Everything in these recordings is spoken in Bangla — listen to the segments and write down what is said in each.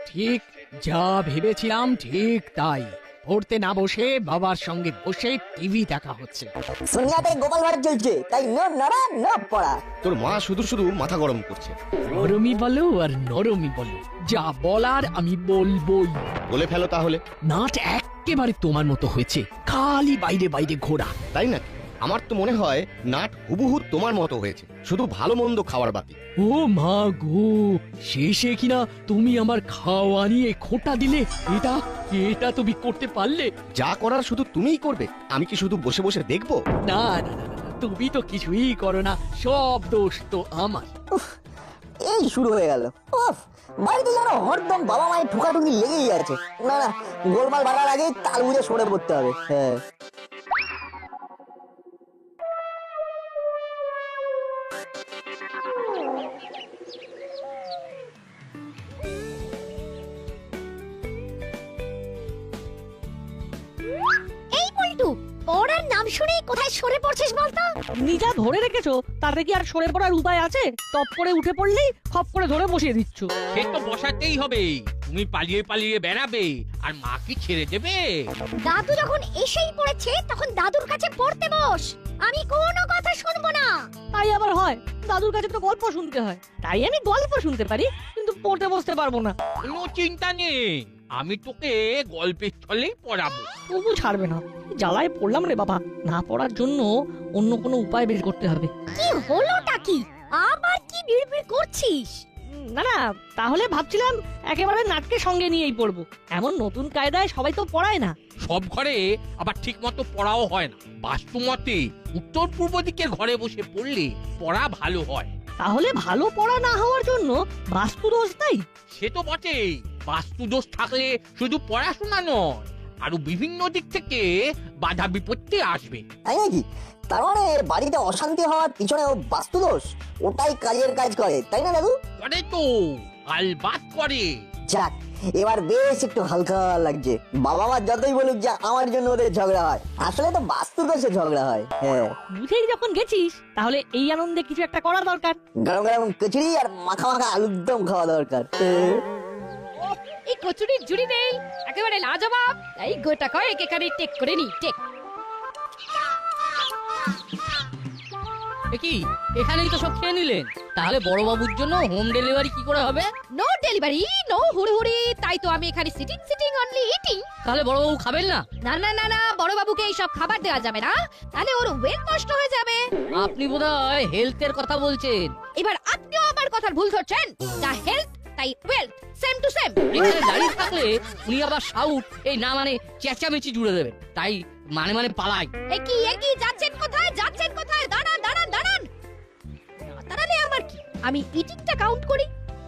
ঠিক যা ভেবেছিলাম ঠিক তাই। পড়তে না বসে বাবার সঙ্গে বসে টিভি দেখা হচ্ছে। সোনিয়াতে গোপাল ভাড় চলছে, তাই ন নড়া ন পড়া। তোর মা শুধু শুধু মাথা গরম করছে। নরমি বলো আর নরমি বলো, যা বলার আমি বলবোই। বলে ফেলো তাহলে। নাট একেবারে তোমার মতো হয়েছে, খালি বাইরে বাইরে ঘোরা। তাই নাকি? আমার তো মনে হয় নাট হুবহু তোমার মতো হয়েছে, শুধু ভালো মন্দ খাওয়ার বাকি। ও মা গো, শেষে কিনা তুমি আমার খাওয়া নিয়ে খোঁটা দিলে। এটা এটা তুমি করতে পারলে? যা করার শুধু তুমিই করবে, আমি কি শুধু বসে বসে দেখবো? না না না না, তুমি তো কিছুই করো না, সব দোষ তো আমার। এই শুরু হয়ে গেল। উফ, বাড়িতে যেন হরদম বাবা মায়ের ঠুকাঠুকি লেগেই আছে। না না, গোলমাল বাড়ার আগেই তাল বুঝে সরে পড়তে হবে। হ্যাঁ, এই পল্টু, পড়ার নাম শুনেই কোথায় সরে পড়ছিস বলতো? নিজা ধরে রেখেছো, তাতে কি আর সরে পড়ার উপায় আছে? টপ করে উঠে পড়লেই খপ করে ধরে বসিয়ে দিচ্ছ। সে তো বসাতেই হবে। তুমি পালিয়ে পালিয়ে বেড়াবে আর মা কি ছেড়ে দেবে? দাদু যখন এসেই পড়েছে তখন দাদুর কাছে পড়তে বস। আমি কোনো কথা শুনবো না। তাই আবার হয়? দাদুর কাছে তো গল্প শুনতে হয়, তাই আমি গল্প শুনতে পারি, কিন্তু পড়তে বসতে পারবো না। কোনো চিন্তা নেই, আমি তোকে গল্পের ছলেই পড়াবো। তবু ছাড়বে না। জ্বালায় পড়লাম রে বাবা। না পড়ার জন্য অন্য কোনো উপায় বের করতে হবে। কি হলোটা কি? আবার কি বিড়বিড় করছিস? না না, তাহলে ভাবছিলাম একেবারে নাটকে সঙ্গে নিয়েই পড়বো। এমন নতুন কায়দায় সবাই তো পড়ায় না। সব ঘরে আবার ঠিক মতো পড়াও হয় না। বাস্তু মতে উত্তর পূর্ব দিকের ঘরে বসে পড়লে পড়া ভালো হয়। তাহলে ভালো পড়া না হওয়ার জন্য বাস্তু দোষ তাই? সে তো বটেই। বাস্তু দোষ থাকলে শুধু পড়াশোনা নয়, আরো বিভিন্ন দিক থেকে বাধা বিপত্তি আসবে। তাই নাকি? তার মানে বাড়িতে অশান্তি হওয়ার পিছনেও বাস্তু দোষ ওটাই কাজের কাজ করে, তাই না দাদু? করে তো, আলবাত করে। যাক, এবার বেশ একটু হালকা লাগছে। বাবা মা যতই বলুক যে আমার জন্য ওদের ঝগড়া হয়, আসলে তো বাস্তু দোষে ঝগড়া হয়। হ্যাঁ, বুঝেই যখন গেছিস, তাহলে এই আনন্দে কিছু একটা করা দরকার। গরম গরম কচুরি আর মাখা মাখা আলুর দম খাওয়া দরকার। এই কচুরির জুড়ি নেই, একেবারে লাজবাব। এই গোটা কয়েক এখানে টেক করে নি, টেক। কি এখানেই তো সব খেয়ে নিলেন, তাহলে বড় বাবুর জন্য হোম ডেলিভারি কি করে হবে? নো ডেলিভারি, নো হুড়হুড়ি। তাই তো আমি এখানে সিটিং সিটিং অনলি ইটিং। তাহলে বড় বাবু খাবেন না? না না না না, বড় বাবুকে এই সব খাবার দেওয়া যাবে না, তাহলে ওর ওয়েট নষ্ট হয়ে যাবে। আপনি বোধহয় হেলথের কথা বলছেন। এবার আপনিও আমার কথার ভুল ধরছেন। যা হেলথ তাই ওয়েলথ, সেম টু সেম। এখানে দাঁড়িয়ে থাকলে উনি আবার সাউট এই না মানে চেঁচামেচি জুড়ে দেবেন, তাই মানে মানে পালাই। একই যাচ্ছেন কোথায়? যাচ্ছেন কোথায়? দাঁড়ান দাঁড়ান দাঁড়ান। দাঁড়ালে আমার কি? আমি ইটিংটা কাউন্ট করি।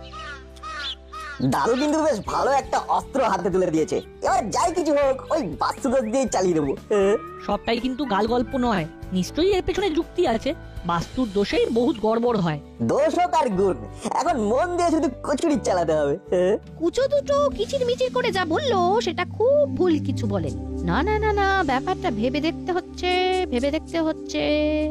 দাদু কিন্তু বেশ ভালো একটা অস্ত্র হাতে তুলে দিয়েছে। এবার যাই কিছু হোক, ওই বাস্তু দোষ দিয়ে চালিয়ে দেবো। সবটাই কিন্তু গাল গল্প নয়, নিশ্চয়ই এর পেছনে যুক্তি আছে। বাস্তুর দোষেই বহুত গড়বড় হয়। দোষ হোক আর গুণ, এখন মন দিয়ে শুধু কচুরি চালাতে হবে। কুচো দুটো কিচির মিচির করে যা বললো সেটা খুব ভুল কিছু বলেন। না না না না, ব্যাপারটা ভেবে দেখতে হচ্ছে, ভেবে দেখতে হচ্ছে।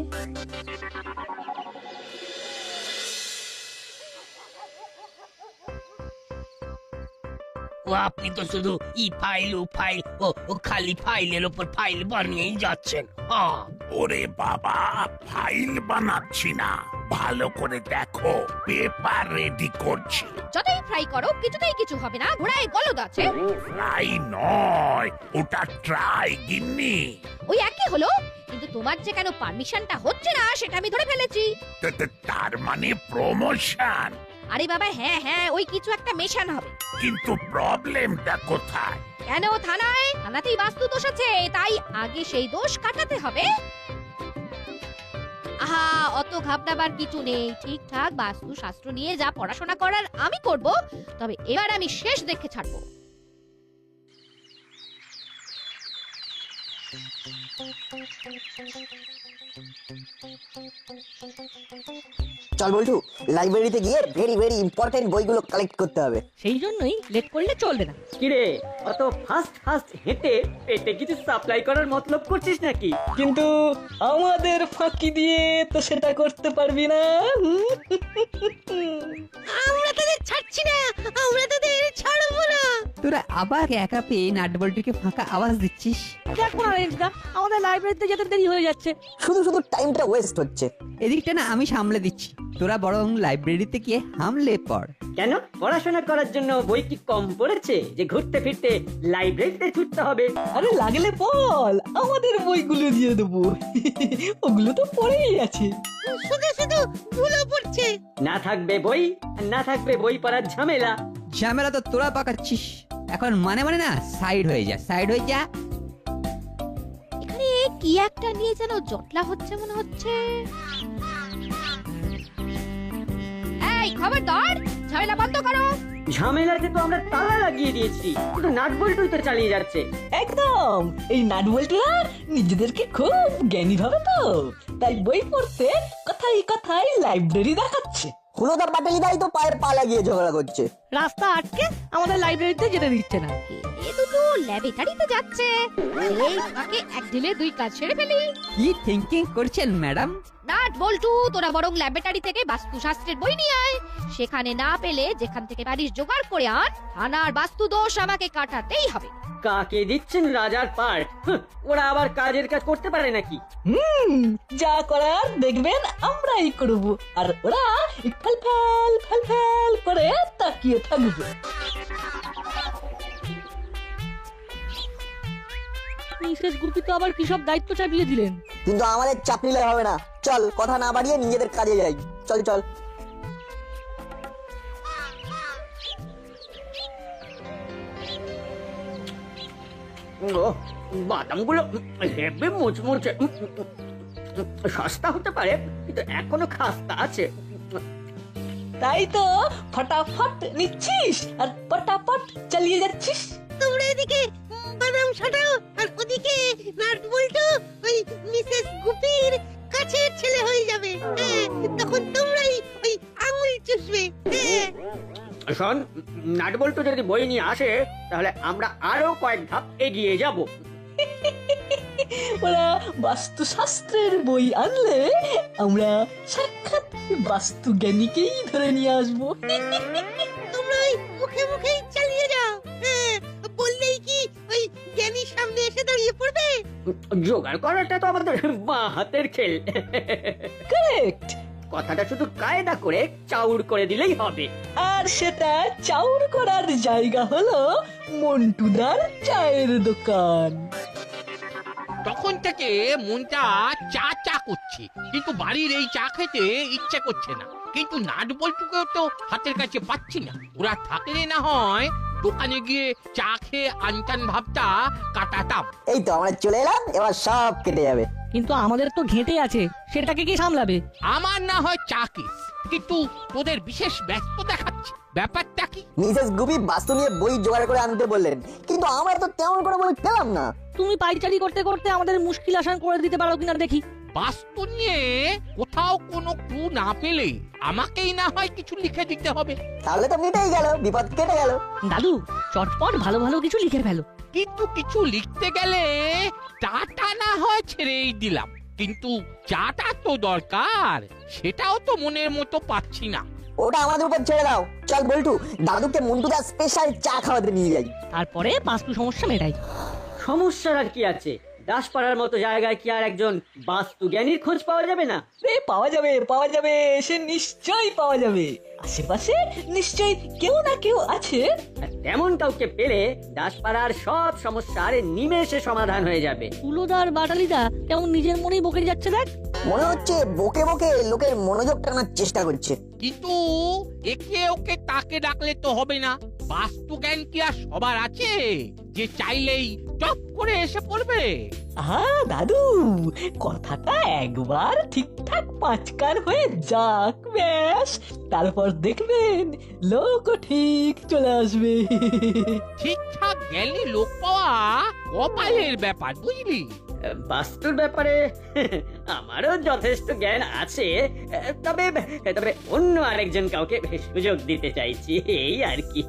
ও আপনি তো শুধু ই ফাইল ও ফাইল ও খালি ফাইলের উপর ফাইল বানিয়েই যাচ্ছেন। ওরে বাবা, ফাইল বানাচ্ছি না, ভালো করে দেখো, পেপার রেডি করছি। যতই ফ্রাই করো কিছুতেই কিছু হবে না, ঘোড়ায় গলদ আছে। ফ্রাই নয়, ওটা ট্রাই গিন্নি। ওই একই হলো, কিন্তু তোমার যে কেন পারমিশনটা হচ্ছে না সেটা আমি ধরে ফেলেছি। তার মানে প্রমোশন? আরে বাবা হ্যাঁ হ্যাঁ, ওই কিছু একটা মেশান হবে। কিন্তু প্রবলেমটা কোথায়? কেন থানায়? থানাতেই বাস্তু দোষ আছে, তাই আগে সেই দোষ কাটাতে হবে। আহা, অত ঘাবড়াবার কিছু নেই। ঠিকঠাক বাস্তু শাস্ত্র নিয়ে যা পড়াশোনা করার আমি করব, তবে এবার আমি শেষ দেখে ছাড়বো। চল বলটু, লাইব্রেরিতে গিয়ে ভেরি ভেরি ইম্পর্টেন্ট বইগুলো কালেক্ট করতে হবে। সেই জন্যই লেট করলে চলবে না। কিরে, অত ফাস্ট ফাস্ট হেঁটে পেটে কিছু সাপ্লাই করার মতলব করছিস নাকি? কিন্তু আমাদের ফাঁকি দিয়ে তো সেটা করতে পারবি না। আমরা তাদের ছাড়ছি না, আমরা তাদের ছাড়বো তোরা আবার একা পেয়ে নাটবল্টুকে ফাঁকা আওয়াজ দিচ্ছিস। দেখো না রেঞ্জদা, আমাদের লাইব্রেরিতে যেতে দেরি হয়ে যাচ্ছে। শুধু শুধু টাইমটা ওয়েস্ট হচ্ছে। এদিকটা না আমি সামলে দিচ্ছি, তোরা বরং লাইব্রেরিতে গিয়ে হামলে পড়। কেন পড়াশোনা করার জন্য বই কি কম পড়েছে যে ঘুরতে ফিরতে লাইব্রেরিতে ছুটতে হবে? আরে লাগলে বল, আমাদের বইগুলো দিয়ে দেবো। ওগুলো তো পড়েই আছে। না থাকবে বই, আর না থাকবে বই পড়ার ঝামেলা। ঝামেলা তো তোরা পাকাচ্ছিস। এখন মানে মানে না সাইড হয়ে যা, সাইড হয়ে যা। এখানে কি একটা নিয়ে যেন জটলা হচ্ছে মনে হচ্ছে। এই খবরদার, ঝামেলা বন্ধ করো। ঝামেলাতে তো আমরা তালা লাগিয়ে দিয়েছি, কিন্তু নাট বল্টুই তো চালিয়ে যাচ্ছে। একদম, এই নাটবল্টুরা নিজেদেরকে খুব জ্ঞানী ভাবে তো, তাই বই পড়তে কথাই কথাই লাইব্রেরি দেখাচ্ছে। হুলোদার পাটালিদাই তো পায়ে পা লাগিয়ে ঝগড়া করছে। রাস্তা আটকে আমাদের লাইব্রেরিতে যেতে দিচ্ছে না। এ দুটো ল্যাবরেটরিতে যাচ্ছে, এই ফাঁকে এক ঢিলে দুই কাজ সেরে ফেলি। কি থিঙ্কিং করছেন ম্যাডাম? নাট বল্টু, তোরা বরং ল্যাবরেটরি থেকে বাস্তুশাস্ত্রের বই নিয়ে আয়। সেখানে না পেলে যেখান থেকে পারিস জোগাড় করে আন। থানার বাস্তু দোষ আমাকে কাটাতেই হবে। কাকে দিচ্ছেন রাজার পার? ওরা আবার কাজের কাজ করতে পারে নাকি? যা করার দেখবেন আমরাই করব, আর ওরা ফেল ফেল ফেল ফেল করে তাকিয়ে থাকবে। মিসেস গুপি তো আবার কি সব দায়িত্ব চাপিয়ে দিলেন। কিন্তু আমাদের চাপ নিলে হবে না। চল, কথা না বাড়িয়ে নিজেদের কাজে যাই। চল চল। বাদামগুলো হেবে মুচমুচে। সস্তা হতে পারে, কিন্তু এখনো খাস্তা আছে। তাই তো ফটাফট নিচ্ছিস আর পটাপট চালিয়ে যাচ্ছিস। তোমরা এদিকে বাদাম ছাটাও, আর ওদিকে নাট বল্টু ওই মিসেস গুপির কাছের ছেলে হয়ে যাবে। তখন তোমরাই ওই আঙুল চুষবে। শোন, নাট বল্টু যদি বই নিয়ে আসে তাহলে আমরা আরো কয়েক ধাপ এগিয়ে যাব। ওরা বাস্তুশাস্ত্রের বই আনলে আমরা সাক্ষাৎ বাস্তু জ্ঞানীকেই ধরে নিয়ে আসবো। তোমরা ওই মুখে মুখেই চালিয়ে যাও। বললেই কি ওই জ্ঞানীর সামনে এসে দাঁড়িয়ে পড়বে? জোগাড় করাটা তো আমাদের বাঁ হাতের খেল। কারেক্ট। কথাটা শুধু কায়দা করে চাউর করে দিলেই হবে। আর সেটা চাউর করার জায়গা হলো মন্টুদার চায়ের দোকান। তখন থেকে মনটা চা চা করছে, কিন্তু বাড়ির এই চা খেতে ইচ্ছে করছে না। কিন্তু নাট বল্টুকেও তো হাতের কাছে পাচ্ছি না। ওরা থাকলে না হয় দোকানে গিয়ে চা খেয়ে আনটান ভাবটা কাটাতাম। এই তো আমরা চলে এলাম, এবার সব কেটে যাবে। কিন্তু আমাদের তো ঘেঁটে আছে, সেটাকে কি সামলাবে? আমার না হয় চা কেস, কিন্তু তোদের বিশেষ ব্যস্ত দেখাচ্ছে। ব্যাপারটা কি? মিসেস গুপি বাস্তু নিয়ে বই জোগাড় করে আনতে বললেন, কিন্তু আমরা তো তেমন করে বই পেলাম না। তুমি পাইচারি করতে করতে আমাদের মুশকিল আসান করে দিতে পারো কিনা দেখি। বাস্তু নিয়ে কোথাও কোনো ক্লু না পেলে আমাকেই না হয় কিছু লিখে দিতে হবে। তাহলে তো মিটেই গেল, বিপদ কেটে গেল। দাদু, চটপট ভালো ভালো কিছু লিখে ফেলো। কিন্তু কিছু লিখতে গেলে চাটা না হয় ছেড়েই দিলাম, কিন্তু চাটা তো দরকার, সেটাও তো মনের মতো পাচ্ছি না। ওটা আমাদের উপর ছেড়ে দাও। চল বল্টু, দাদুকে মন্টুদার স্পেশাল চা খাওয়াতে নিয়ে যাই। তারপরে বাস্তু সমস্যা মেটাই। সমস্যার আর কি আছে? দাসপাড়ার মতো জায়গায় কি আর একজন বাস্তু জ্ঞানীর খোঁজ পাওয়া যাবে না? পাওয়া যাবে, পাওয়া যাবে, সে নিশ্চয়ই পাওয়া যাবে। আশেপাশে নিশ্চয়ই কেউ না কেউ আছে। তেমন কাউকে পেলে দাসপাড়ার সব সমস্যার নিমেষে সমাধান হয়ে যাবে। হুলোদার বাটালিদা কেমন নিজের মনেই বকে যাচ্ছে দেখ। মনে হচ্ছে বকে বকে লোকের মনোযোগ টানার চেষ্টা করছে। কিন্তু একে ওকে তাকে ডাকলে তো হবে না। বাস্তু জ্ঞান কি আর সবার আছে যে চাইলেই টপ করে এসে পড়বে? হ্যাঁ দাদু, কথাটা একবার ঠিকঠাক পাঁচকার হয়ে যাক, ব্যাস তারপর দেখবেন লোক ঠিক চলে আসবে। ঠিকঠাক জ্ঞানী লোক পাওয়া কপালের ব্যাপার, বুঝলি? বাস্তুর ব্যাপারে আমারও যথেষ্ট জ্ঞান আছে, তবে তবে অন্য আরেকজন কাউকে সুযোগ দিতে চাইছি, এই আর কি।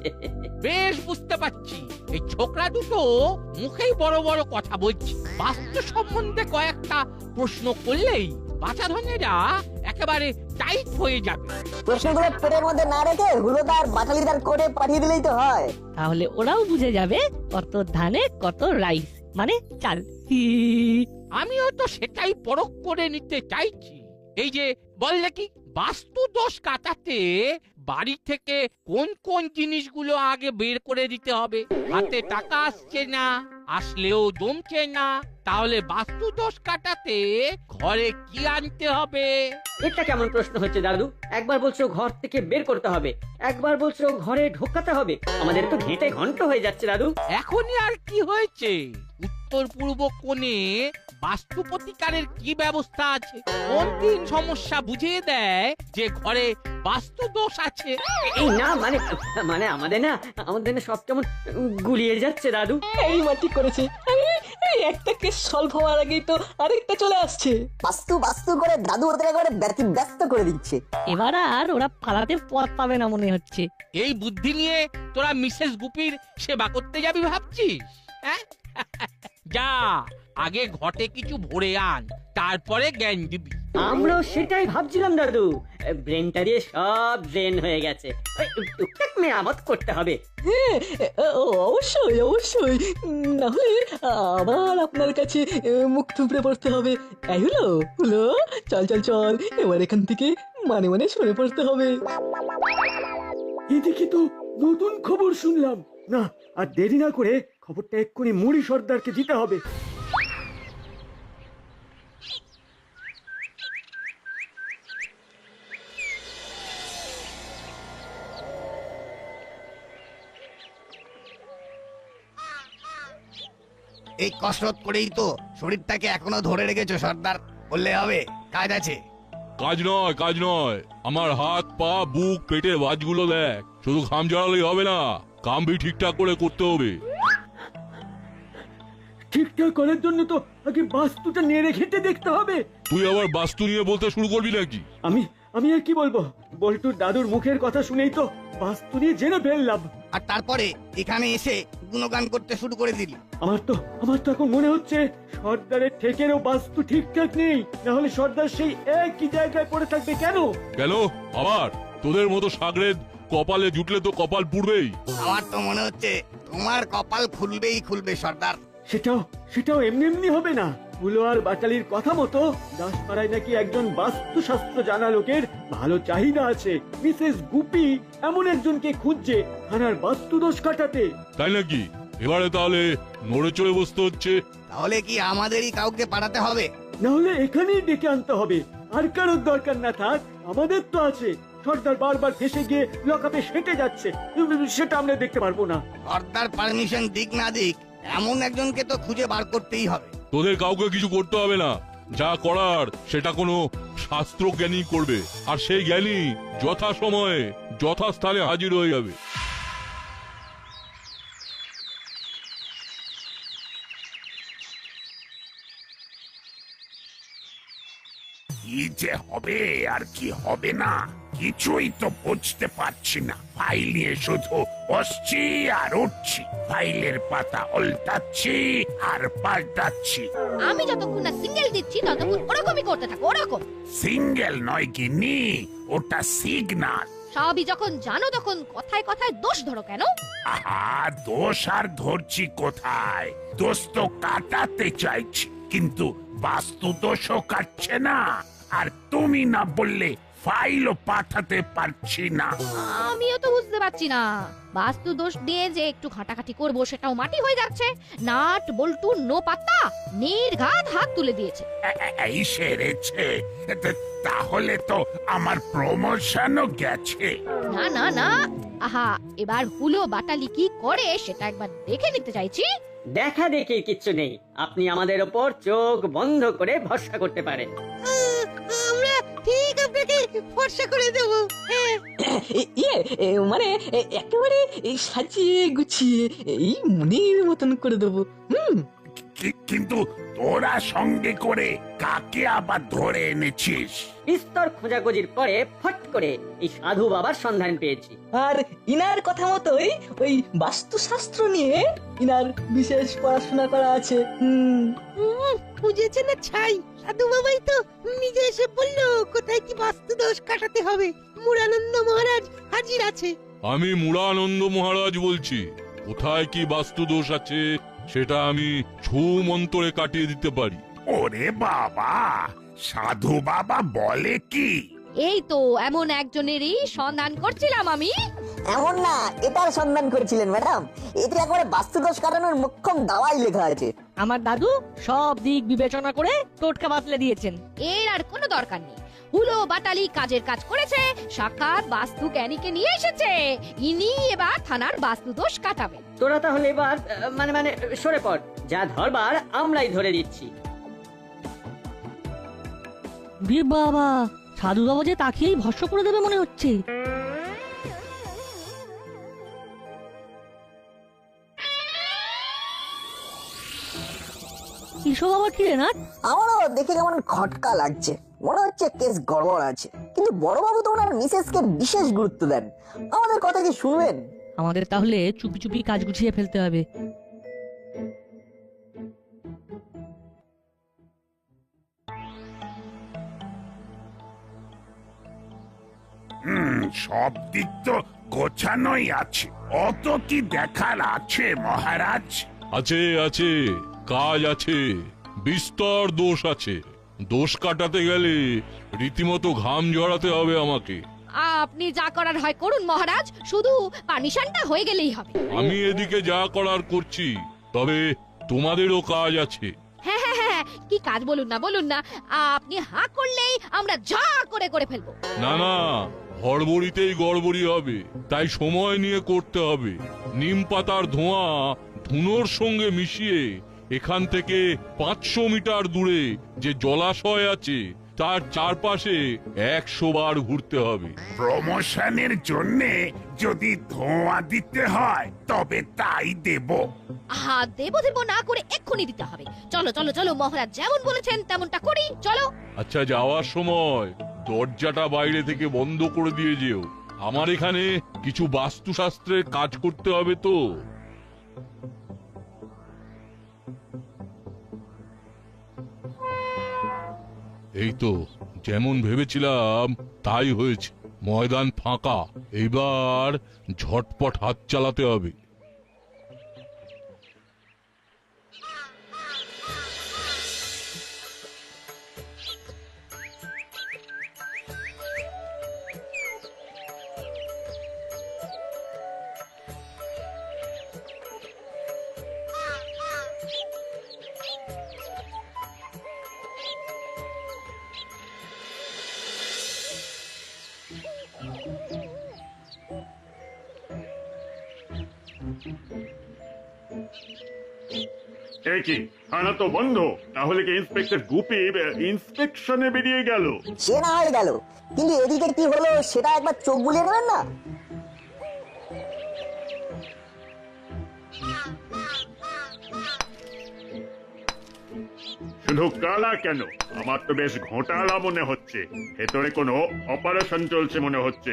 বেশ বুঝতে পারছি, এই ছোকরা দুটো মুখেই বড় বড় কথা বলছে। বাস্তু সম্বন্ধে কয়েকটা প্রশ্ন করলেই বাচ্চা ধনেরা একেবারে টাইট হয়ে যাবে। প্রশ্নগুলো পেটের মধ্যে না রেখে হুলোদার বাটালিদার করে পাঠিয়ে দিলেই তো হয়। তাহলে ওরাও বুঝে যাবে কত ধানে কত রাইস মানে চাল। আমিও তো সেটাই পরখ করে নিতে চাইছি। এই যে বল দেখি, বাস্তু দোষ কাটাতে বাড়ি থেকে কোন কোন জিনিসগুলো আগে বের করে দিতে হবে? হাতে টাকা আসছে না, আসলেও জমছে না, তাহলে বাস্তু দোষ কাটাতে ঘরে কি আনতে হবে? এটা কেমন প্রশ্ন হচ্ছে দাদু? একবার বলছো ঘর থেকে বের করতে হবে, একবার বলছো ঘরে ঢোকাতে হবে। আমাদের তো ঘেঁটে ঘন্ট হয়ে যাচ্ছে দাদু। এখনই আর কি হয়েছে? উত্তর পূর্ব কোণে বাস্তু প্রতিকারের কি ব্যবস্থা আছে? কোন দিন সমস্যা বুঝিয়ে দেয় যে ঘরে বাস্তু দোষ আছে? এই না মানে মানে আমাদের না সব কেমন গুলিয়ে যাচ্ছে দাদু। এই মাটি করেছে, এই একটা কেস সলভ হওয়ার আগেই তো আরেকটা চলে আসছে। বাস্তু বাস্তু করে দাদু ওদের একবারে ব্যস্ত করে দিচ্ছে। এবার আর ওরা পালাতে পথ পাবে না মনে হচ্ছে। এই বুদ্ধি নিয়ে তোরা মিসেস গুপির সেবা করতে যাবি ভাবছিস? হ্যাঁ, যা আগে ঘটে কিছু ভরে আন, তারপরে জ্ঞান দিবি। আমরাও সেটাই ভাবছিলাম দাদু। ব্রেনটা দিয়ে সব ড্রেন হয়ে গেছে, টুকটাক মেরামত করতে হবে। অবশ্যই অবশ্যই, না হলে আবার আপনার কাছে মুখ থুবড়ে পড়তে হবে। তাই হলো হলো, চল চল চল, এবার এখান থেকে মানে মানে সরে পড়তে হবে। এদিকে তো নতুন খবর শুনলাম। না আর দেরি না করে খবরটা এক্ষুনি মুড়ি সর্দারকে দিতে হবে। এই কসরত করেই তো শরীরটাকে এখনো ধরে রেখেছো সর্দার, বললে হবে? কাজ আছে? কাজ নয়, আমার হাত পা বুক পেটের বাজগুলো দেখ। শুধু ঘাম ঝরালেই হবে না, কাম ভি ঠিকঠাক করে করতে হবে। ঠিকঠাক করার জন্য তো আগে বাস্তুটা নেড়ে ঘেঁটে দেখতে হবে। তুই আবার বাস্তু নিয়ে বলতে শুরু করবি নাকি? আমি আর কি বলবো, বল্টুর দাদুর মুখের কথা শুনেই তো বাস্তু নিয়ে জেনে ফেললাম। আর তারপরে এখানে এসে গুণগান করতে শুরু করে দিলি। আমার তো এখন মনে হচ্ছে সর্দারের ঠেকেরও বাস্তু ঠিকঠাক নেই, না হলে সর্দার সেই একই জায়গায় পড়ে থাকবে। কেন আবার তোদের মতো সাগরেদ কপালে জুটলে তো কপাল পুড়বেই। আমার তো মনে হচ্ছে তোমার কপাল খুলবে সর্দার। সেটাও এমনি হবে না। হুলো আর বাটালির কথা মতো দাসপাড়ায় নাকি একজন বাস্তুশাস্ত্র জানা লোকের ভালো চাহিদা আছে। মিসেস গুপি এমন একজনকে খুঁজছে থানার বাস্তু দোষ কাটাতে। তাই নাকি? এবারে তাহলে নড়ে চড়ে বসতে হচ্ছে। তাহলে কি আমাদেরই কাউকে পাঠাতে হবে? না হলে এখানেই ডেকে আনতে হবে। আর কারোর দরকার না থাক, আমাদের তো আছে। সর্দার বারবার ফেসে গিয়ে লকআপে সেটে যাচ্ছে, সেটা আমরা দেখতে পারবো না। সর্দার পারমিশন দিক না দিক, এমন একজনকে তো খুঁজে বার করতেই হবে। তোদের কাউকে কিছু করতে হবে না, যা করার সেটা কোনো শাস্ত্র জ্ঞানী করবে, আর সেই জ্ঞানী যথা সময়ে যথাস্থানে হাজির হয়ে যাবে। কি যে হবে আর কি হবে না কিছুই তো বুঝতে পারছি না। ফাইল নিয়ে শুধু বসছি আর উঠছি, ফাইলের পাতা উল্টাচ্ছি আর পাল্টাচ্ছি। আমি যতক্ষণ না সিঙ্গেল দিচ্ছি ততক্ষণ ওরকমই করতে থাকো। ওরকম সিঙ্গেল নয় গিন্নি, ওটা সিগনাল। সবই যখন জানো তখন কথায় কথায় দোষ ধরো কেন? আহা, দোষ আর ধরছি কোথায়? দোষ তো কাটাতে চাইছি, কিন্তু বাস্তু দোষও কাটছে না। আর তুমি না বললে ফাইলও পাঠাতে পারছি না। আমিও তো বুঝতে পারছি না, বাস্তু দোষ দিয়ে যে একটু ঘাটাঘাটি করবো সেটাও মাটি হয়ে যাচ্ছে। নাট বল্টু নো পাত্তা, নির্ঘাত হাত তুলে দিয়েছে। এই সেরেছে, তাহলে তো আমার প্রমোশনও গেছে। না না না, আহা, এবার হুলো বাটালি কি করে সেটা একবার দেখে নিতে চাইছি। দেখা দেখে কিচ্ছু নেই, আপনি আমাদের ওপর চোখ বন্ধ করে ভরসা করতে পারেন। আমরা ঠিক আপনাকে ভরসা করে দেব। মানে একেবারে সাজিয়ে গুছিয়ে এই মনের মতন করে দেবো। কিন্তু তোরা সঙ্গে করে কাকে আবার ধরে এনেছিস? বিস্তর খোঁজাখুঁজির পরে ফট করে এই সাধু বাবার সন্ধান পেয়েছি। আর ইনার কথা মতোই ওই বাস্তুশাস্ত্র নিয়ে ইনার বিশেষ পড়াশোনা করা আছে। বুঝেছে না ছাই, সাধু বাবাই তো নিজে এসে বললো কোথায় কি বাস্তু দোষ কাটাতে হবে। মুরানন্দ মহারাজ হাজির আছে। আমি মুরানন্দ মহারাজ বলছি। কোথায় কি বাস্তু দোষ আছে সেটা আমি ছু মন্তরে কাটিয়ে দিতে পারি। ওরে বাবা, সাধু বাবা বলে কি? এই তো এমন একজনেরই সন্ধান করছিলাম আমি। এমন না, এটার সন্ধান করেছিলেন ম্যাডাম। এতে একবারে বাস্তুদোষ কাটানোর মোক্ষম দাওয়াই লেখা আছে। আমার দাদু সব দিক বিবেচনা করে টোটকা বাতলে দিয়েছেন। এর আর কোনো দরকার নেই। হুলো বাটালি কাজের কাজ করেছে, সাক্ষাৎ বাস্তু জ্ঞানীকে নিয়ে এসেছে। ইনি এবার থানার বাস্তু দোষ কাটাবেন। তোরা তাহলে এবার মানে সরে পড়, যা ধরবার আমরাই ধরে দিচ্ছি। বাবা, সাধু বাবা যে তাকিয়েই ভস্ম করে দেবে মনে হচ্ছে। এসব আবার কি রে না? আমারও দেখে কেমন খটকা লাগছে, মনে হচ্ছে কেস গড়বড় আছে। কিন্তু বড়বাবু তো ওনার মিসেসকে বিশেষ গুরুত্ব দেন, আমাদের কথা কি শুনবেন? আমাদের তাহলে চুপি চুপি কাজ গুছিয়ে ফেলতে হবে। সব দিক তো গোছানোই আছে। অত কি দেখার আছে মহারাজ? আছে আছে, কাজ আছে, বিস্তর দোষ আছে। দোষ কাটাতে গেলে রীতিমতো ঘাম ঝরাতে হবে আমাকে। আপনি যা করার হয় করুন মহারাজ, শুধু পারমিশনটা হয়ে গেলেই হবে। আমি এদিকে যা করার করছি, তবে তোমাদেরও কাজ আছে। হ্যাঁ হ্যাঁ হ্যাঁ, কি কাজ বলুন না, আপনি হাঁ করলেই আমরা যা করে ফেলবো। না না, হড়বড়িতেই গড়বড়ি হবে, তাই সময় নিয়ে করতে হবে। নিম পাতার ধোঁয়া ধুনোর সঙ্গে মিশিয়ে এখান থেকে 500 মিটার দূরে যে জলাশয় আছে তার চারপাশে 100 বার ঘুরতে হবে। প্রমোশনের জন্য যদি ধোঁয়া দিতে হয় তবে তাই দেব। দেব না করে এক্ষুনি দিতে হবে। চলো মহারাজ যেমন বলেছেন তেমনটা করি, চলো। আচ্ছা, যাওয়ার সময় দরজাটা বাইরে থেকে বন্ধ করে দিয়ে যেও। আমার এখানে কিছু বাস্তুশাস্ত্রের কাজ করতে হবে তো। এই তো যেমন ভেবেছিলাম তাই হয়েছে। ময়দান ফাঁকা, এইবার ঝটপট হাত চালাতে হবে। কি থানা তো বন্ধ, তাহলে কি ইন্সপেক্টর গুপি ইন্সপেকশনে বেরিয়ে গেল? সে না হয়ে গেল, কিন্তু এদিকে কি হলো সেটা একবার চোখ বুলিয়ে দেবেন না? শুধু কালা কেন, আমার তো বেশ ঘোটালা মনে হচ্ছে। ভেতরে কোনো অপারেশন চলছে মনে হচ্ছে।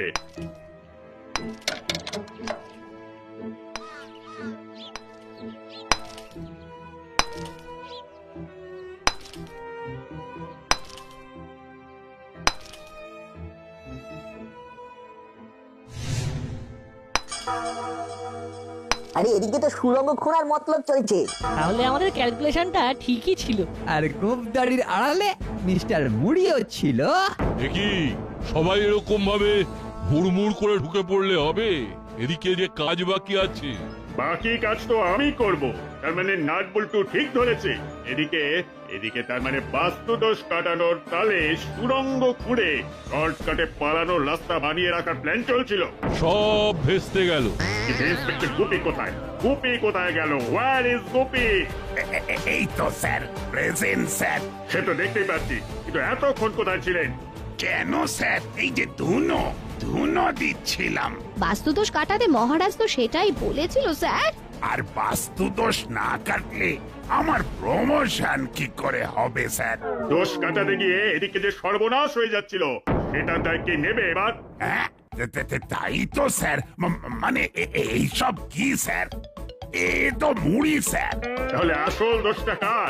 আরে এদিকে তো সুরঙ্গ খোঁড়ার মতলব চলছে। তাহলে আমাদের ক্যালকুলেশনটা ঠিকই ছিল। আর গোপদারির আড়ালে মিস্টার মুড়িও ছিল। দেখি সবাই এরকম ভাবে হুড়মুড় করে ঢুকে পড়লে হবে? এদিকে যে কাজ বাকি আছে। বাকি কাজ তো আমি করব। তার মানে নাট বল্টু ঠিক ধরেছে। এদিকে তার মানে বাস্তু দোষ কাটানোর তালে সুরঙ্গ খুঁড়ে শর্টকাটে পালানোর রাস্তা বানিয়ে রাখার প্ল্যান চলছিল। সব ভেস্তে গেল। ইন্সপেক্টর গুপি কোথায়? গুপি কোথায় গেল? Where is Gupi? এই তো স্যার, প্রেজেন্ট স্যার। সে তো দেখতেই পাচ্ছি, কিন্তু এতক্ষণ কোথায় ছিলেন? কেন স্যার? এই যে ধুনো দিচ্ছিলাম। বাস্তুদোষ কাটাতে মহারাজ তো সেটাই বলেছিল স্যার। আর বাস্তু দোষ না কাটলে আমার প্রমোশন কি করে হবে স্যার? দোষ কাটাতে গিয়ে এদিকে যে সর্বনাশ হয়ে যাচ্ছিল সেটা তার কি নেবে এবার? হ্যাঁ, তাই তো স্যার। মানে এইসব কি স্যার? এ তো মুড়ি স্যার। তাহলে আসল দোষটা কার?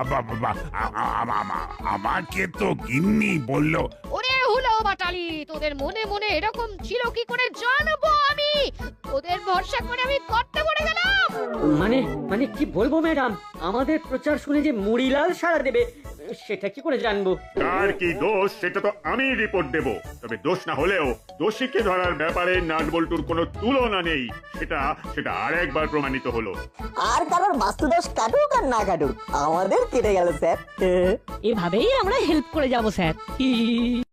আমাকে তো গিন্নি বলল। ওরে হুলো বাটালি, তোদের মনে মনে এরকম ছিল কি করে জানবো আমি? ওদের ভরসা করে আমি করতে পড়ে গেলাম। মানে কি বলবো ম্যাডাম, আমাদের প্রচার শুনে যে মুড়িলাল সাড়া দেবে সেটা কি করে জানবো? কার কি দোষ সেটা তো আমি রিপোর্ট দেব। তবে দোষ না হলেও দোষীকে ধরার ব্যাপারে নাট বল্টুর কোনো তুলনা নেই, সেটা আরেকবার প্রমাণিত হলো। আর কারোর বাস্তুদোষ কাটুক আর না কাটুক, আমাদের কেটে গেল স্যার। এভাবেই আমরা হেল্প করে যাব স্যার।